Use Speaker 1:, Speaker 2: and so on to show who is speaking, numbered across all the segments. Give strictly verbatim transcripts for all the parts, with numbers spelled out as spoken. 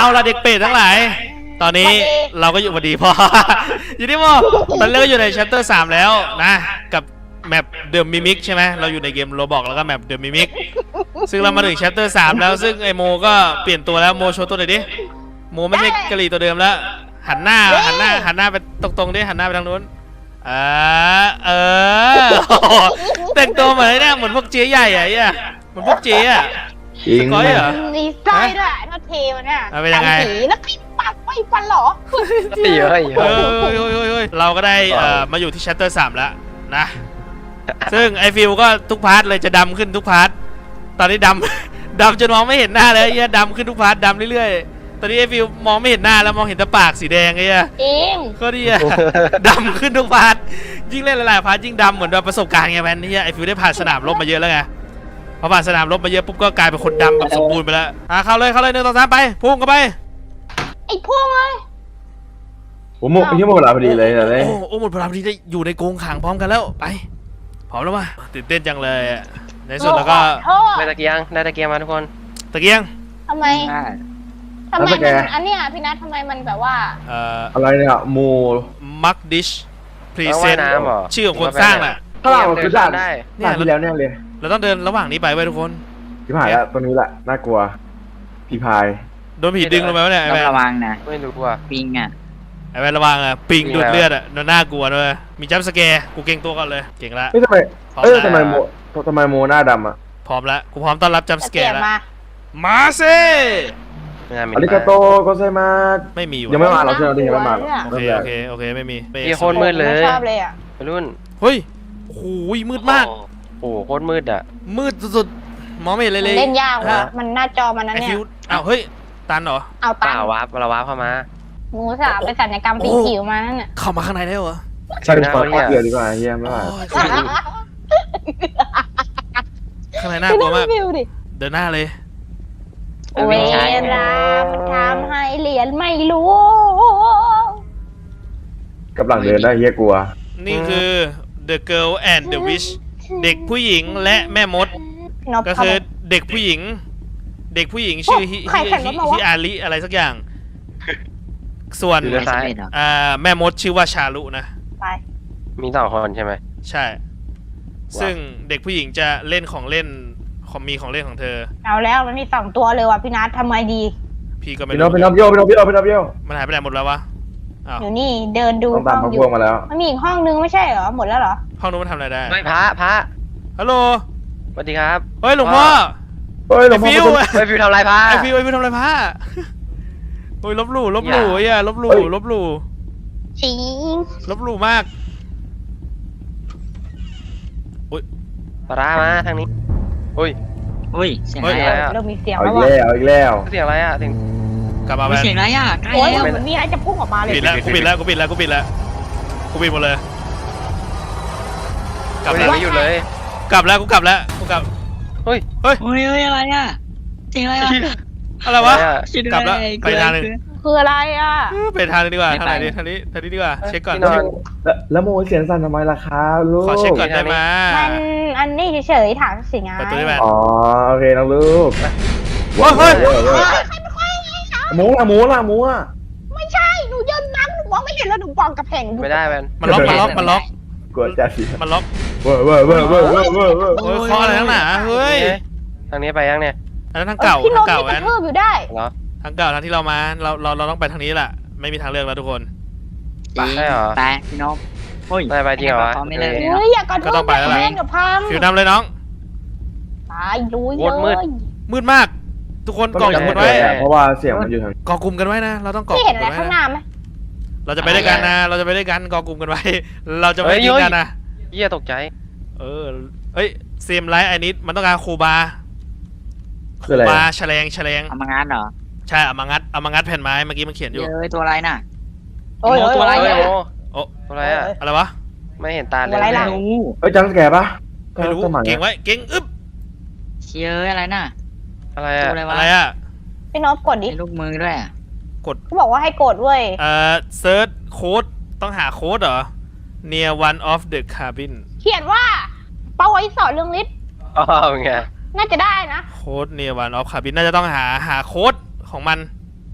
Speaker 1: เอาละเด็กเป็ดทั้งหลายตอนนี้เราก็อยู่พอดีพออยู่ที่โมตอนนี้เราอยู่ใน chapter สามแล้วนะกับแมปเดอะมิมิกใช่ไหมเราอยู่ในเกมโรบอกแล้วก็แมปเดอะมิมิกซึ่งเรามาถึง chapter สามแล้วซึ่งไอโมก็เปลี่ยนตัวแล้วโมโชว์ตัวหน่อยดิโมไม่ใช่กะหรี่ตัวเดิมแล้วหันหน้าหันหน้าหันหน้าไปตรงๆดิหันหน้าไปทางนู้นอ่าเออแต่งตัวเหมือนเนี่ยเหมือนพวกเจ๊ใหญ่อะเนี่ยเหมือนพวกเจ๊อะสกอยเหรอ
Speaker 2: มีไส้ด้วยทอดเทมันเนี่ย
Speaker 1: เป็นยังไง
Speaker 2: แล้วใครปักไม่ฟันหรอ
Speaker 3: เยอะเยอะ
Speaker 1: เราก็ได้มาอยู่ที่ chapter สามแล้วนะซึ่งไอฟิลก็ทุกพาร์ทเลยจะดำขึ้นทุกพาร์ทตอนนี้ดำดำจนมองไม่เห็นหน้าเลยเหี้ยดำขึ้นทุกพาร์ทดำเรื่อยๆตอนนี้ไอฟิลมองไม่เห็นหน้าแล้วมองเห็นแต่ปากสีแดงไอ้เหี้ย
Speaker 2: เอง
Speaker 1: ก็ดีอะดำขึ้นทุกพาร์ทยิ่งเล่นหลายๆพาร์ทยิ่งดำเหมือนประสบการณ์ไงแมนนี่ไอฟิลได้ผ่านสนามรบมาเยอะแล้วไงพอผ่านสนามรบมาเยอะปุ๊บก็กลายเป็นคนดำแบบสมบูรณ์ไปแล้วอ่ะเข้าเลยเข้าเลยหนึ่งสองสามไปพุ่งเข้าไป
Speaker 2: ไอ้พุ่งเลย
Speaker 4: โอ้โหพี่หมดเวลาพอดีเลยเลย
Speaker 1: โอ้โอ้หมดเวลาพอดีได้อยู่ในกรงขังพร้อมกันแล้วไปพร้อมแล้วป่ะตื่นเต้นจังเลยในสุดแล้วก็
Speaker 3: ได้ตะเกียงได้ตะเกียงมาทุกคน
Speaker 1: ตะเกียง
Speaker 2: ทำไมทำไมมันอันเนี้ยพี่นัททำไมมันแบบว่า
Speaker 1: เอ่อ
Speaker 4: อะไรเนี่ยโม
Speaker 1: มักดิชพรีเซนต์ชื่อของคนสร้างแหละ
Speaker 4: ถ้าเราคือด่านได้เนี่ยที่แล้วเนี่ยเลย
Speaker 1: เราต้องเดินระหว่างนี้ไปไว้ทุกคน
Speaker 4: พี่พายแล้วตรงนี้แหละน่ากลัวพี่พาย
Speaker 1: โดนผีดึงลงไปวะเนี่ยไอ้แม่
Speaker 5: ระวังนะ
Speaker 3: ไม่รู้ว่า
Speaker 5: ปิงอ่ะ
Speaker 1: ไอ้แม่ระวังอ่ะปิงดูดเลือดอ่ะน่ากลัวด้วยมีจัมป์สแกร์กูเก่งตัวก่อนเลยเก่งละ
Speaker 4: เฮ้ยทำไมเอ้ยทำไมโมทำไมโมหน้าดำอ่ะ
Speaker 1: พร้อมแล้วกูพร้อมต้อนรับจัมป์สแกร์แล้วมาเซ่
Speaker 4: อาริกาโตโกเซมา
Speaker 1: ไม่มี
Speaker 4: ยังไม่มาเราเชิญเราดิยังไม่มา
Speaker 1: โอเคโอเคโอเคไม่มี
Speaker 3: โคตรมืดเลย
Speaker 2: ชอบเลยอ่ะ
Speaker 3: รุ่น
Speaker 1: เฮ้ยโอ้โหมืดมาก
Speaker 3: โอ้โคตรมืดอ่ะ
Speaker 1: มืดสุดๆมองไม่เห็นเลยเลย
Speaker 2: เล่นยากว่ะมันหน้าจอมันนั่นเนี่ย
Speaker 1: อ้าวเฮ้ยตันเหรอ
Speaker 2: เอาตัน
Speaker 3: วาร์ปเราวาร์ปเข้ามา
Speaker 2: หมูสาวไปสัญญกรรมปีผิวมานั่นน่ะ
Speaker 1: เข้ามาข้างในได้เหรอ
Speaker 4: ใช่ขอเกลือดีกว่าเฮียไม่ไหว
Speaker 1: ข้างในน่ากลัวมากเดินหน้าเลย
Speaker 2: เวลาทำให้เหรียญไม่รู้
Speaker 4: กับหลังเดินได้เฮียกลัว
Speaker 1: นี่คือ The Girl and the Witch เด็กผู้หญิงและแม่มดก็คือเด็กผู้หญิงเด็กผู้หญิงชื่อฮิฮิอาริอะไรสักอย่างส่วนแม่มดชื่อว่าชาลุนะ
Speaker 3: มีสองคนใช่ไหม
Speaker 1: ใช่ซึ่งเด็กผู้หญิงจะเล่นของเล่นของมีของเล่นของเธอ
Speaker 2: เอาแล้วมันมีสองตัวเลยว่ะพี่นัททำไมดี
Speaker 1: พี่ก็ไม่
Speaker 4: รู้พี่น้องพี่น้องพี่น้องพี่น้องพี่น้องพี่น้อง
Speaker 1: มันหายไปไหนหมดแล้ววะ
Speaker 2: อยู่นี่เดินดู
Speaker 4: ต้องตามพวกมาแล้ว
Speaker 2: มันมีอีกห้องนึงไม่ใช่เหรอหมดแล้วเหรอ
Speaker 1: ห้องนู้นมันทำอะไรได้
Speaker 3: ไม่พระพระ
Speaker 1: ฮัลโหล
Speaker 3: สวัสดีครับ
Speaker 1: เฮ้ยหลวงพ่อ
Speaker 4: เฮ้ยหลวงพ่อ
Speaker 1: ฟิว
Speaker 3: ไอฟิวทำอะไรพระ
Speaker 1: ไอฟิวไอฟิวทำอะไรพระโอ้ยลบหลู่ลบหลู่ไอ้ลบหลู่ลบหลู่
Speaker 2: จริง
Speaker 1: ลบหลู่มาก
Speaker 3: โอ้ยปลามาทางนี้โอ้ย
Speaker 5: อุ้ยเสียงอะไร
Speaker 2: อ่ะเริ่มมีเสียง
Speaker 4: แล้
Speaker 2: ว
Speaker 4: ว่ะเอาอีกแล้ว
Speaker 3: เสียงอะไรอ่ะเสียง
Speaker 1: กลับมา
Speaker 5: เสียงอะไรอ่ะใกล้
Speaker 2: แล้วเหมือนมีอะไรจะพุ่งออกมาเลย
Speaker 1: ปิดแล้วกูปิดแล้วกูปิดแล้วกูปิดแล้วกูปิดหมดเลย
Speaker 3: กลับแล้วไม่หยุดเลย
Speaker 1: กลับแล้วกูกลับแล้วกูกลับ
Speaker 3: เฮ้ย
Speaker 1: เฮ้ย
Speaker 5: เฮ้ยอะไรอ่ะเสียงอะไรอ่ะ
Speaker 1: อะไรวะกลับแล้วไปทางนึง
Speaker 2: คืออะไรอ่ะ
Speaker 1: ไปทางนึงดีกว่าทางไหนดีทางนี้ทางนี้ดีกว่าเช็คก่อน
Speaker 4: แล้วโมเสียงสั่นทำไมล่ะครับลูก
Speaker 1: ขอเช็คก่อนได้ไหม
Speaker 2: มันอันนี้เฉยๆถามสิงห์
Speaker 1: ประตูได้ไหม
Speaker 4: อ๋อโอเคน้องลูก
Speaker 1: ว้าวเฮ้ย
Speaker 4: หมูละหมูละหมูอ่ะ
Speaker 2: ไม่ใช่หนูยืนนั่งหนูมองไม่เห็นแล้วหนูปองกับแผง
Speaker 3: ไม่ได้มัน
Speaker 1: มันล็อกมันล็อกมันล็อก
Speaker 4: กลัวจะสิ
Speaker 1: มันล็อก
Speaker 4: เว้อเว้อเว้อเว้อเว้อเว้อเว้อ
Speaker 1: เฮ้ยคออะไรทั้งหนาเฮ้ย
Speaker 3: ทางนี้ไปยังเนี่ย
Speaker 1: อันนั้นทางเก่าทางเก่าแอน
Speaker 2: เพิ่มอยู่ได้
Speaker 3: เหรอ
Speaker 1: ทางเก่าทางที่เรามาเราเราเราต้องไปทางนี้แหละไม่มีทางเลือกแล้วทุกคน
Speaker 5: ไปเหรอไปพี่น้อง
Speaker 3: โอ้ยไปไปจริงเหรอ
Speaker 5: ไม่เลย
Speaker 2: เฮ้ยอย่ากระโดด
Speaker 1: ต้องไปแล้วฟิวนำเลยน้อง
Speaker 2: ตายรู้เยอะ
Speaker 1: มืดมากทุกคนกองกลุ่มกันไว้
Speaker 4: เพราะว่าเสียงมันอยู่ทาง
Speaker 1: กองกลุ่มกันไว้นะเราต้องกอง
Speaker 2: ไม่เห็นอะไรข้างหน้าไหม
Speaker 1: เราจะไปด้วยกันนะเราจะไปด้วยกันกองกลุ่มกันไว้เราจะไม่ทิ้งกันนะ
Speaker 3: เยี่ยตกใจ
Speaker 1: เออเฮ้ยเซมไลท์ไอนิดมันต้องการคูบา
Speaker 4: คืออะไร
Speaker 1: บาแฉลงแฉลง
Speaker 5: เอามางานเหรอ
Speaker 1: ใช่เอามางัดเอามางัดแผ่นไม้เมื่อกี้มันเขียนอยู่
Speaker 5: เอ้ยตัวอะไรน่ะ
Speaker 2: โอ้ย
Speaker 5: ตัวอะไรเนี่ย
Speaker 1: โอ้
Speaker 3: ตัวอะไรอะ
Speaker 1: อะไรวะ
Speaker 3: ไม่เห็นตาเลย
Speaker 2: อะไรล่ะ
Speaker 4: เอ้ยจังแกปะ
Speaker 1: ไม่รู้เก่งไว้เก่งอึ๊บ
Speaker 5: เชี่ยอะไรน่ะ
Speaker 3: อะไรอะ
Speaker 1: อะไรอะ
Speaker 2: พี่น้องกดดิ
Speaker 5: ลูกมือด้วย
Speaker 1: กด
Speaker 2: เขาบอกว่าให้กดเว้ย
Speaker 1: เอ่อเซิร์ชโค้ดต้องหาโค้ดเหรอ near one of the cabin
Speaker 2: เขียนว่าเป้าไว้สอนเรื่องฤทธิ์
Speaker 3: อ๋อไง
Speaker 2: น่าจะได้นะ
Speaker 1: โค้ด near one of cabin น่าจะต้องหาหาโค้ดของมัน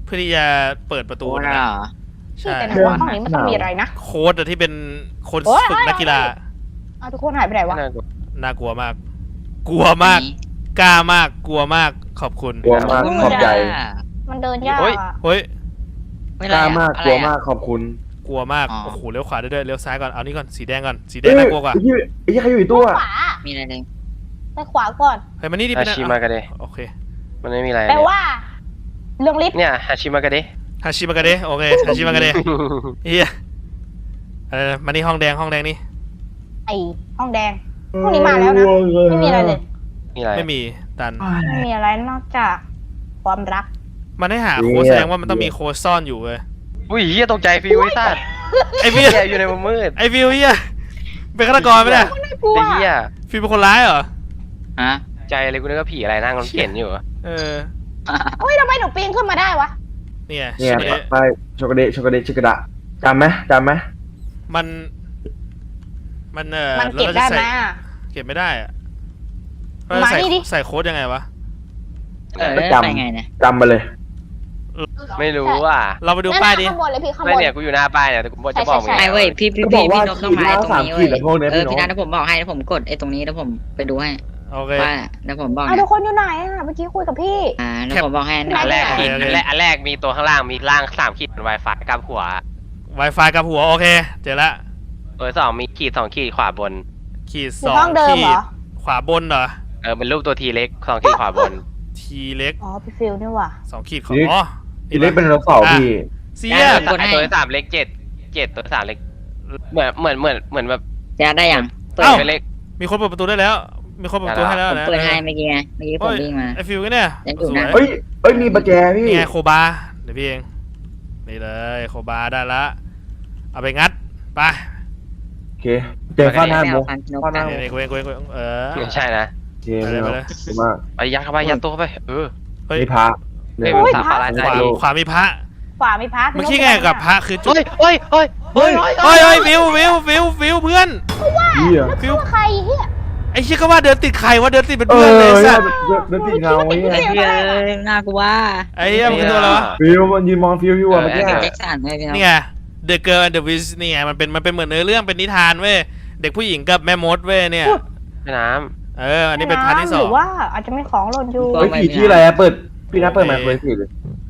Speaker 1: เพื่อที่จะเปิดประตู
Speaker 5: โอ้
Speaker 1: นะ
Speaker 5: น่ะเหรอ
Speaker 1: ใช่
Speaker 2: แต่ในห้องนี้มันต้องมีอะไรนะ
Speaker 1: โค้ดอะที่เป็นคน
Speaker 2: โอ้ย
Speaker 1: ฝึกนักกีฬา
Speaker 2: เอาทุกคนหายไปไหนวะ
Speaker 3: น่ากลัว
Speaker 1: น่ากลัวมาก กลัวมาก กล้ามาก กลัวมาก ขอบคุณ
Speaker 4: กลัวมากขอบใจ
Speaker 2: มันเดินยากอะ
Speaker 1: เฮ้ย
Speaker 5: ไม่
Speaker 4: ก
Speaker 5: ไร
Speaker 4: ล้า
Speaker 5: อะ
Speaker 4: มาก
Speaker 5: อะ
Speaker 4: ก
Speaker 5: ไร
Speaker 4: ลัว
Speaker 5: อะ
Speaker 4: มากขอบคุณ
Speaker 1: กลัวมาก
Speaker 5: อ๋อ
Speaker 1: โอ้โห เลี้ยวขวาได้ด้วย เลี้ยวซ้ายก่อน เอานี่ก่อน สีแดงก่อน สีแด
Speaker 4: เอ้
Speaker 1: ง
Speaker 4: ย
Speaker 1: น่ากลัวกว่า
Speaker 4: ไอ้ที่ไอ้ที่ใครอยู่อีกตัว
Speaker 2: ขวา
Speaker 5: มีอะไรเลย
Speaker 2: ไปขวาก่อน
Speaker 1: เฮ้ย มานี่ดิ
Speaker 3: ฮา
Speaker 1: เป็น
Speaker 3: ชิมากะเดะ
Speaker 1: โอเค
Speaker 3: มันไม่มีอะไร
Speaker 2: แปลว่า เรื่องลิฟต์
Speaker 3: เนี่ยฮาชิมากะเดะ
Speaker 1: ฮาชิมากะเดะโอเค ฮาชิมากะเดะเฮียอะไรนะมานี่ห้องแดง ห้องแดงนี่
Speaker 2: ไอห้องแดง พวกนี้มาแล้วนะ ไม่มีอะไรเลย
Speaker 3: มีอะไร
Speaker 1: ไม่มี ตัน
Speaker 2: ไม่มีอะไรนอกจากความรัก
Speaker 1: มันให้หาโค้ดแสดงว่ามันต้องมีโค้ดซ่อนอยู่เว้ย
Speaker 3: อุ้ยเฮียตกใจฟิวไอ้สัตว์
Speaker 1: ไอ้ฟิ
Speaker 3: เฮี
Speaker 1: วย
Speaker 3: อยู่ในมุมมืด
Speaker 1: ไอ้ฟิวเฮียเป็นฆาตกรไหมเนี่ย
Speaker 2: กลัว
Speaker 3: ไอ้เฮีย
Speaker 1: ฟิวเป็นคนร้ายเหรอ
Speaker 5: ฮะ
Speaker 3: ใจเลยกูนึกว่าผีอะไรนั่งรถเข็นอยู่อะ
Speaker 1: เออ
Speaker 2: เฮ้ยทำไมหนูปีนขึ้นมาได้วะ
Speaker 1: เนี่ย
Speaker 4: เนี่ย
Speaker 1: ชิมะเดะ
Speaker 4: ไปช็อกโกแลตช็อกโกแลตชิกระดะจำไหมจำไหม
Speaker 1: มัน มันเออ
Speaker 2: มันเก็บได้ไหม
Speaker 1: ราจะใส่
Speaker 2: อะ
Speaker 1: เก็บไม่ได้อะ
Speaker 2: มา
Speaker 1: เราจะใส่
Speaker 2: นี่ดิ
Speaker 1: ใส่โค้ดยังไงวะ
Speaker 5: เออ
Speaker 4: ก็
Speaker 5: ไป
Speaker 4: จำ
Speaker 5: ไงเนี่ย
Speaker 4: จำมาเลย
Speaker 3: ไม่รู้อ่ะ
Speaker 1: เราไปดู
Speaker 2: นั่น
Speaker 1: ป้าย
Speaker 2: น่ะ
Speaker 1: ดิ
Speaker 2: ข้างบนเลยพี่ข้างบ
Speaker 3: ไม่
Speaker 2: น
Speaker 3: เนี่ยกูอยู่หน้าป้ายเนี่ยแต่กูจะบอกมึง
Speaker 2: ใช่
Speaker 5: ไอ้เว้ยพี่พี่
Speaker 4: ก็บ
Speaker 5: พี่
Speaker 4: อกว่า
Speaker 5: พี่นกต้องมาไอ้ตรงนี้
Speaker 4: ขี
Speaker 5: เว้
Speaker 4: ด
Speaker 5: ย
Speaker 4: ละพวกเนี้ย
Speaker 5: เออ
Speaker 4: พี่
Speaker 5: พี่
Speaker 4: น
Speaker 5: นั
Speaker 4: ก
Speaker 5: ทผมบอกให้แล้วผมกดไอ้ตรงนี้แล้วผมไปดูให้
Speaker 1: โอเค
Speaker 5: ว่าแล้วผมบอก
Speaker 2: อ่ะ
Speaker 5: นะ
Speaker 2: ทุกคนอยู่ไหนอ่ะเมื่อกี้คุยกับพี่
Speaker 5: อ่าแล้วผมบอกให้
Speaker 2: แคป
Speaker 5: นะ
Speaker 3: อันแรก
Speaker 2: โอเค
Speaker 3: มีอันแรกอันแรกมีตัวข้างล่างมีล่างสามขีดเป็น Wi-Fi กับหัว
Speaker 1: Wi-Fi กับหัว โอเค เจอละ
Speaker 3: ตัวสองมีขีดสองขีดขวาบน
Speaker 1: ขีด
Speaker 2: อ
Speaker 1: ส
Speaker 2: ยู่
Speaker 1: อง
Speaker 2: ห้องเดิม
Speaker 1: ขี
Speaker 2: เหร
Speaker 1: ด
Speaker 2: อ
Speaker 1: ขวาบนเหรอ
Speaker 3: เออเป็นรูปตัวทีเล็กสองขีดขวาบน
Speaker 1: ทีเล็ก
Speaker 2: อ๋อพี่ฟิลนี่ว่ะ
Speaker 1: สองขีดของอ๋อ
Speaker 4: ทีเล็กเป็นไดโนเสาร์พี่
Speaker 1: เสี
Speaker 3: เนี่ย
Speaker 1: ย
Speaker 3: ตัวตัวที่สามเล็กเจ็ดเจ็ดตัวที่สามเล็กเหมือนเหมือนเหมือนเหมือนแบบ
Speaker 5: จะได้ยัง
Speaker 3: เปิดไปเล็ก
Speaker 1: มีคนเปิดประตูได้แล้ว มีคนเปิดประตูให้แล้ว
Speaker 5: ผม
Speaker 1: นะ
Speaker 5: เปิดให้เมื่อกี้ไงเมื่อกี้ผมวิ่งมา
Speaker 1: ไอฟิวกันเนี่ย
Speaker 5: ยังอยู่
Speaker 1: สว
Speaker 5: นะ
Speaker 1: ย
Speaker 4: เอ้ยเอ้ยมีประแจพี่
Speaker 1: นี่ไงโคบา เดี๋ยวพี่เอง นี่เลยโคบาได้ละ เอาไปงัด ไป
Speaker 4: โอเคเจอข้าวหน้า
Speaker 5: ไม่
Speaker 4: มุ
Speaker 5: เอา
Speaker 4: ก
Speaker 5: ฟันนก
Speaker 4: ข้าวหน้า
Speaker 1: นี่นี่กูเองกูเองกูเองเออ
Speaker 3: ไม่ใช่นะ
Speaker 4: โอเคไม่เอาดีมาก
Speaker 3: ไปยัดเข้าไปยัดตัวเข้าไปเออ
Speaker 1: เฮ้ย
Speaker 4: นี่พระ
Speaker 3: เฮ้ย
Speaker 2: โอ้ย
Speaker 3: สาม
Speaker 2: พระ
Speaker 3: ปาราใจ
Speaker 1: ขวา
Speaker 3: ดี
Speaker 1: ขวามีพระ
Speaker 2: ขวามีพัก
Speaker 1: เมื่อกี้ไงกับพระคือจุด
Speaker 3: เฮ้ยเฮ้ยเฮ้ย
Speaker 1: เฮ้ยเฮ้ยเฮ้ยฟิวฟิวฟิวฟิวเพื่อน
Speaker 4: เฮีย
Speaker 1: ฟิว
Speaker 2: ใครเฮีย
Speaker 1: ไอ้เชี่ยก็ว่าเดินติดใครว่าเดินติดเป็น
Speaker 4: เอ
Speaker 1: เพื่อนเลย
Speaker 4: อ
Speaker 1: สั
Speaker 4: เนี่ย
Speaker 1: ตว์
Speaker 4: เดินติดเงาไว้เนี่ย
Speaker 5: เฮ้ยน่ากลัว
Speaker 1: ไอ้เหี้ยมันคือตัวอะไรวะ
Speaker 4: ฟิวมันยืนมองฟิวอยู่อะเมื่อกี้
Speaker 5: แจ็คสันเลยพี่น้อง
Speaker 1: นี่ไง The Girl and the Witch นี่ไง มันเป็น มันเป็นเหมือนเนื้อเรื่อง เป็นนิทานเว้ย เด็กผู้หญิงกับแม่มดเว้ยเนี่ย
Speaker 3: แม่น้
Speaker 1: เออ อันนี้เป็นพาร์ทที่สอ
Speaker 2: ห
Speaker 1: ง
Speaker 2: รือว่าอาจจะมีของหล่นอยู่
Speaker 4: เฮ้ยผีที่อะไรอะเปิดพี่นัทเปิดไมค์คุยสิเลย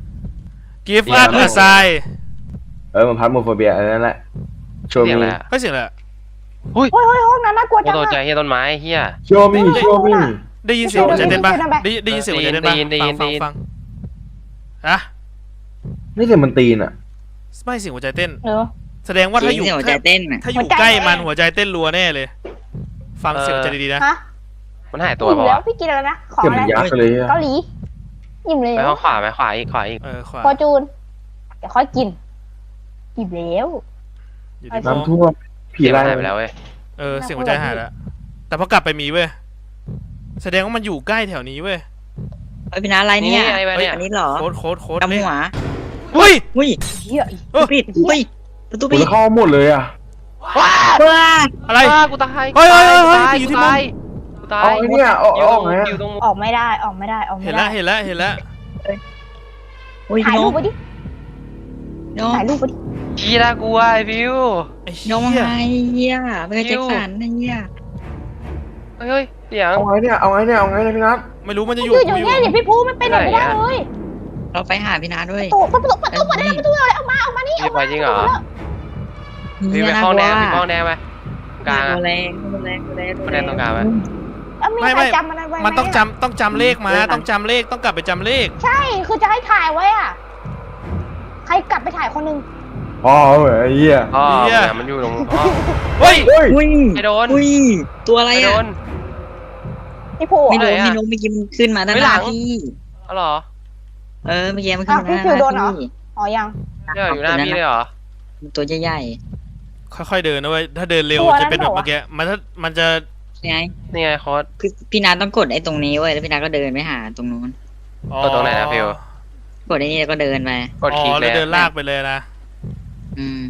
Speaker 1: Give us a sign
Speaker 4: เออมันพัดโมโฟเบียอันนั้นแหละโช
Speaker 3: ำ
Speaker 4: ว์
Speaker 3: เสียง
Speaker 4: มี
Speaker 3: อะไรอะ
Speaker 1: เฮ้ยเสียงอะไรอะ
Speaker 3: เฮ้ย
Speaker 2: เฮ้ยเฮ้ยห้องนั้นน่ากลัว
Speaker 3: กู
Speaker 2: จัง
Speaker 3: ตกใจ
Speaker 2: อะ
Speaker 3: เฮียต้นไม้เฮีย
Speaker 4: โชว์มีโชว์มี
Speaker 1: ได้ยินเสียงหัวใจเต้นปะ
Speaker 2: ได้ยินเสียงไหม
Speaker 1: ได้ได้ยินเสียงหัวใจเต้นปะ
Speaker 3: ได้ยินได้ยิน
Speaker 1: ฟัง
Speaker 3: ได้ยิน
Speaker 1: ฟังฟังอะ
Speaker 4: นี่เสียงมันตีนอะ
Speaker 1: ไม่เสียงหัวใจเต้น
Speaker 2: เออ
Speaker 1: แสดงว่าถ้าอยู่
Speaker 5: เสียงหัวใจเต้นอ่ะ
Speaker 1: ถ้าอยู่
Speaker 2: หัวใจ
Speaker 1: ใกล้มัน
Speaker 2: เต้น
Speaker 1: หัวใจเต้นรัวแน่เลย ฟังเสียงหัวใจดีๆนะ
Speaker 2: ฮะ
Speaker 3: มันหายตัว
Speaker 2: อิ่ม
Speaker 3: เปล่า
Speaker 2: แล้ว
Speaker 3: วะ
Speaker 2: พี่กินอะไรนะ ของ
Speaker 4: เสียง
Speaker 2: อะ
Speaker 4: มัน
Speaker 2: ไร
Speaker 4: ยักษ์เลยอะ
Speaker 2: เกาหลีอิ่มแล้
Speaker 3: ไป
Speaker 2: ว
Speaker 3: ห้องขวาไหมขวาอีกขวาอีก
Speaker 1: เออขวา
Speaker 2: พอจูนเดี๋ยวค่อยกินอิ่มแล้ว
Speaker 1: อยู่ที่โม
Speaker 4: น้ำท่วมผี
Speaker 3: เสียง
Speaker 4: ไล่
Speaker 3: มันหายไปแล้วเว้ย
Speaker 1: เออ เสียงหัวใจหายแล้ว แต่พอกลับไปมีเว้ย แสดงว่ามันอยู่ใกล้แถวนี้เว้ย
Speaker 5: เฮ้ยพี่นัทอะไรเนี่ย
Speaker 3: ไอ้ไปเนี่ย
Speaker 5: อันนี้เหรอ
Speaker 1: โค้ดโค้ดโค้ด
Speaker 5: ดำหัว
Speaker 1: เฮ้ย
Speaker 5: อุ้ย
Speaker 2: เฮีย
Speaker 1: เออ
Speaker 5: ปิดอุ้ยประตู
Speaker 4: กู
Speaker 5: ปิด
Speaker 4: จะเข้าหมดเลยอะ
Speaker 3: ว้า
Speaker 5: ว้า
Speaker 1: อะไร
Speaker 3: กูตาย
Speaker 1: เฮ้ยเฮ้ยเฮ้ยเฮ้ย
Speaker 3: กูตา
Speaker 1: อยู่ที่
Speaker 3: กู
Speaker 1: มุม
Speaker 3: ตายกูตาย
Speaker 4: เอาไอ้เนี่ยเอา
Speaker 3: อยู่
Speaker 4: เอา
Speaker 3: ตรง
Speaker 4: ไงอะ
Speaker 3: อยู่ตรง
Speaker 2: ออกไม่ได้ออกไม่ได้ออกไม่
Speaker 1: เห็น
Speaker 2: ได้
Speaker 1: แล้ว เห็นแล้ว เห็นแล้ว
Speaker 5: อุ้ย
Speaker 2: ถ่าย
Speaker 5: พี่น
Speaker 2: รูป
Speaker 5: ก
Speaker 2: ไปดิ
Speaker 5: นก
Speaker 2: ถ่ายรูปไปดิ
Speaker 3: ชี้น่ากลัวไอ้ฟิว
Speaker 1: ไอ้
Speaker 5: น
Speaker 1: เหี้
Speaker 5: กมาไง
Speaker 1: ย
Speaker 5: เฮียไม่เคยแจ็คสันนะเฮีย
Speaker 3: เฮ้ยเฮ้ยเสียง
Speaker 4: เอาไงเนี่ยเอาไงเนี่ยเอาไงเนี่ยพี่นัท
Speaker 1: ไม่รู้มันจะ
Speaker 2: อ
Speaker 1: อยู่
Speaker 2: ยู่อยู่เนี่ยเดี๋ยวพี่ภูไม่เป็นแบบไม่ได้เลย
Speaker 5: เราไปหาพี่นัทด้วย
Speaker 2: ประตูประตูประตูเปิดได้ประตูเลยออกมาออกมานี่อ
Speaker 3: พี่
Speaker 2: อก
Speaker 3: ไป
Speaker 2: มา
Speaker 3: จริงเหรอ
Speaker 5: เฮี
Speaker 3: พี่
Speaker 5: ย
Speaker 3: ไป
Speaker 5: น่า
Speaker 3: ห้อง
Speaker 5: ก
Speaker 3: แด
Speaker 5: ลัว
Speaker 3: งพี่ห้องแดงไปกลาง
Speaker 5: ตั
Speaker 3: อะ
Speaker 5: วแรงตัวแรงตัวแรง
Speaker 3: ตัวแรงตรงกลางไหม
Speaker 2: แล้วมี
Speaker 1: ไม่
Speaker 2: ใคร
Speaker 1: ไม่
Speaker 2: จำมันไว้ไหม
Speaker 1: มันต้องจำต้องจำเลขมา ต้องจำเลข ต้องกลับไปจำเลข
Speaker 2: ใช่คือจะให้ถ่ายไว้อ่ะใครกลับไปถ่ายคนนึง
Speaker 4: อ๋อเว้ยไอ้เหี้ย
Speaker 3: อ๋อ
Speaker 1: เหี้ย
Speaker 3: เนี่ยมันอยู่ตรงห้อง
Speaker 1: เฮ้ย
Speaker 4: เฮ้ย
Speaker 5: อุ้ย
Speaker 3: ไอ้โดน
Speaker 5: อุ้ยตัวอะไร
Speaker 3: ไอ้โด
Speaker 5: อ่ะ
Speaker 3: น
Speaker 2: พี่ภู
Speaker 5: ไม่
Speaker 2: อ่ะ
Speaker 5: รู้
Speaker 3: ไหนอะ
Speaker 5: ไม่รู้เมื่อกี้มันขึ้นมาด้าน
Speaker 3: ไม่
Speaker 5: ห
Speaker 3: หลั
Speaker 5: น้าง พี่
Speaker 3: อ๋อเหรอ
Speaker 5: เออเมื่อกี้มันขึ้นมาด้านหน้าพี่
Speaker 2: อ๋อยัง
Speaker 3: เนี่ยอยู่หน้าพี่เลยเหรอ
Speaker 5: ตัวใหญ่
Speaker 1: ค่อยๆเดินนะเว้ย ถ้าเดินเร็วจะเป็นแบบเมื่อกี้ มันถ้ามันจะ
Speaker 5: ๆไง
Speaker 3: นี่ไงโค้ด
Speaker 5: คือพี่นัทต้องกดไอ้ตรงนี้เว้ยแล้วพี่นัทก็เดินไปหาตรงนู้น
Speaker 3: กดตรงไหนนะฟิว
Speaker 5: กดไอ้นี่แล้วก็เดินไป
Speaker 3: กด
Speaker 1: อ๋
Speaker 3: คลิก
Speaker 1: อ
Speaker 3: เล
Speaker 1: แล้ว
Speaker 3: ย
Speaker 1: เดินลากไปเลยนะ
Speaker 5: อืม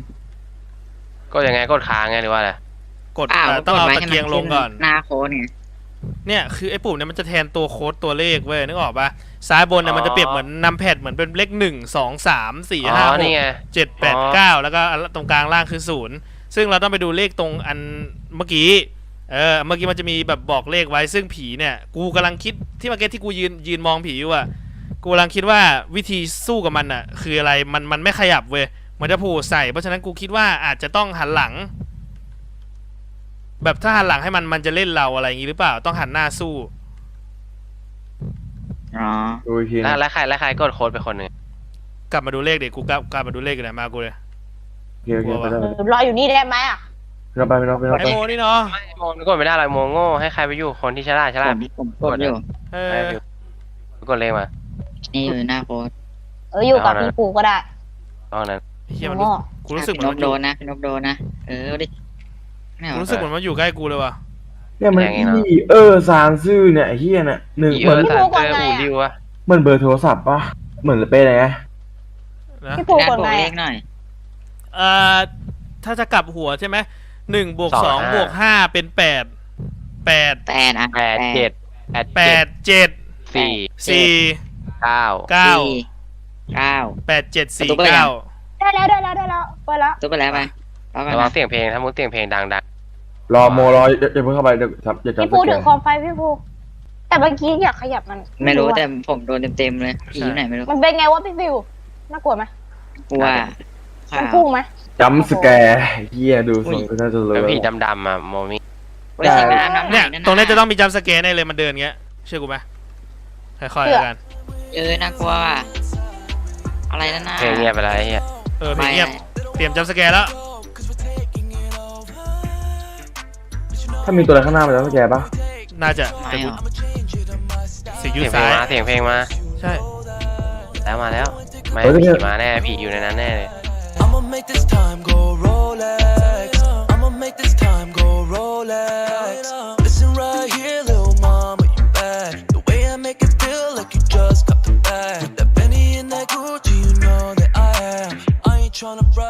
Speaker 3: กดยังไงกดค้างไงหรือว่าอะไร
Speaker 1: กด
Speaker 5: อ้าว
Speaker 1: เอ่อต้อง
Speaker 5: กด
Speaker 1: เอา
Speaker 5: ไว้
Speaker 1: ตะ
Speaker 5: ให้มัน
Speaker 1: เกียงลงก่อน
Speaker 5: หน้าโค้ดเนี่ย
Speaker 1: เนี่ยคือไอ้ปุ่มเนี่ยมันจะแทนตัวโค้ดตัวเลขเว้ยนึกออกปะซ้ายบนเนี่ยมันจะเปรียบเหมือนนำแพดเหมือนเป็นเลขหนึ่งสองสามสี่
Speaker 3: อ๋
Speaker 1: ห้า
Speaker 3: อ
Speaker 1: หก
Speaker 3: นี่ไง
Speaker 1: เจ็ดแปดเก้าแล้วก็ตรงกลางล่างคือศูนย์ซึ่งเราต้องไปดูเลขตรงอันเมื่อกี้เออเมื่อกี้มันจะมีแบบบอกเลขไว้ซึ่งผีเนี่ยกูกำลังคิดที่เมื่อกี้ที่กูยืนยืนมองผีอยู่อะกูกำลังคิดว่าวิธีสู้กับมันอะคืออะไรมันมันไม่ขยับเว้ยมันจะผูใส่เพราะฉะนั้นกูคิดว่าอาจจะต้องหันหลัง แบบถ้าหันหลังให้มันมันจะเล่นเราอะไรอย่างงี้หรือเปล่าต้องหันหน้าสู้
Speaker 5: อ๋อ
Speaker 4: ดูอีกที
Speaker 3: แล้ว
Speaker 4: นะ
Speaker 3: แล้วใครแล้วใครกดโค้ดไปคนหนึ่ง
Speaker 1: กลับมาดูเลขเด็กกูกลับกลับมาดูเลขกันไหนมากูเลย
Speaker 4: โอเคโอเคไปได้
Speaker 2: เออรออยู่นี่ได้ไหมอ่ะ
Speaker 4: ไปได้ไปไปไป
Speaker 1: ไอโมนี่เนาะ
Speaker 3: ไม่โมกดไม่ได้หรอกโมโง่ให้ใครไปอยู่คนที่ฉลาดฉ
Speaker 5: ผ
Speaker 3: ลาด
Speaker 5: มผมกดอยู่
Speaker 1: เอ
Speaker 3: ใคร
Speaker 1: อ
Speaker 3: ไปอยู่กดเลขมา
Speaker 5: นี่อยู่หน้าโค้ด
Speaker 2: เอออยู่กับพี่ปูก็ได้
Speaker 3: ตอนนั้น
Speaker 1: เฮียมัน
Speaker 2: โง่
Speaker 1: กูรู้สึกเหมื
Speaker 5: พี่
Speaker 1: อน
Speaker 5: น
Speaker 1: มัน
Speaker 5: ก
Speaker 1: อ
Speaker 5: โด
Speaker 1: ยู่
Speaker 5: นนะพี่นกโดนนะเออดิไม่เอา
Speaker 1: กูรู้สึกเหมือนมันอยู่ใกล้กูเลยว่ะ
Speaker 4: เนี่ยมันอีเออซานซื่อเนี่ยไอ้เฮียเนี่ยหนึ่ง
Speaker 3: อี
Speaker 4: เห
Speaker 3: เอ
Speaker 4: มือน
Speaker 3: อสารเจออูริวอะ
Speaker 4: เหมือนเบอร์โทรศัพท์ปะเหมือนเป็นอะไรไง
Speaker 1: นะ
Speaker 2: พี่ปู
Speaker 5: งาน
Speaker 2: กด
Speaker 5: บว
Speaker 2: ไง
Speaker 5: กเล
Speaker 2: อะ
Speaker 5: ขหน่อย
Speaker 1: เอ่อถ้าจะกลับหัวใช่ไหมหนึ่งบวกสองบวกห้าเป็นแปดแปด
Speaker 5: แปดอ่ะ
Speaker 3: แปดเจ็ดแปด
Speaker 1: แปดเจ็ด
Speaker 3: สี่
Speaker 1: สี่
Speaker 3: เก้า
Speaker 1: เก้า
Speaker 5: สี่เก้า
Speaker 1: แปดเจ็ดสี่
Speaker 5: ประตูเปิดยัง
Speaker 1: เก้า
Speaker 2: ได้แล้วได้แล้วได้แล้วไปแล้ว
Speaker 5: ตัวไปแล้วไปแล้วกัน
Speaker 3: ระวัง
Speaker 5: นะ
Speaker 3: เสียงเพลงถ้ามุกเสียงเพลงดังดัง
Speaker 4: รอโมรออย่าอย่าเพิ่งเข้าไปเดี๋ยวจับอย่าจับ
Speaker 2: พี่ปูถือคอมไฟพี่ปูแต่เมื่อกี้อยากขยับมัน
Speaker 5: ไม่รู้
Speaker 2: อะ
Speaker 5: แต่ผมโดนเต็มๆเลยผีอยู่ไหนไม่รู้
Speaker 2: มันเป็นไงวะพี่ฟิวน่ากลัวไหม
Speaker 5: กลัว
Speaker 2: มันพุ่งไหม
Speaker 4: จำสแกร์เฮียดูทรงก็น่าจะรู้
Speaker 3: แล้วผีดำๆอะโมมี่
Speaker 5: ไว้ใส่น้ำน้ำไห
Speaker 1: เนี่ย
Speaker 5: ะ
Speaker 1: ตรงนี้จะต้องมีจัมป์สแกนแน่เลยมันเดินเงี้ยเชื่อกูไหมค่อยๆแล้วกัน
Speaker 5: เออน่ากลัวว่ะอะไรนั่นน่ะ
Speaker 3: เพลงเงียบไปแล้วไอ้เหี้ย
Speaker 1: เออเพลงเงียบเตรียมจัมป์สแกนแล้ว
Speaker 4: ถ้ามีตัวอะไรข้างหน้ามันจะสแกร์ปะ
Speaker 1: น่าจะ
Speaker 5: ไม่หรอ
Speaker 1: เสียงยู
Speaker 3: เสียงเพล
Speaker 1: ซ้าง ย
Speaker 3: มาเสียงเพลงมา
Speaker 1: ใช่
Speaker 3: แล้วมาแล้วไม่ผีมาแน่ผีอยู่ในนั้นแน่เลย
Speaker 6: I'ma make this time go Rolex. I'ma make this time go Rolex. Listen right here, little mama, you bad. The way I make it feel like you just got the bag. That Benny and that Gucci, you know that I am. I ain't tryna brag.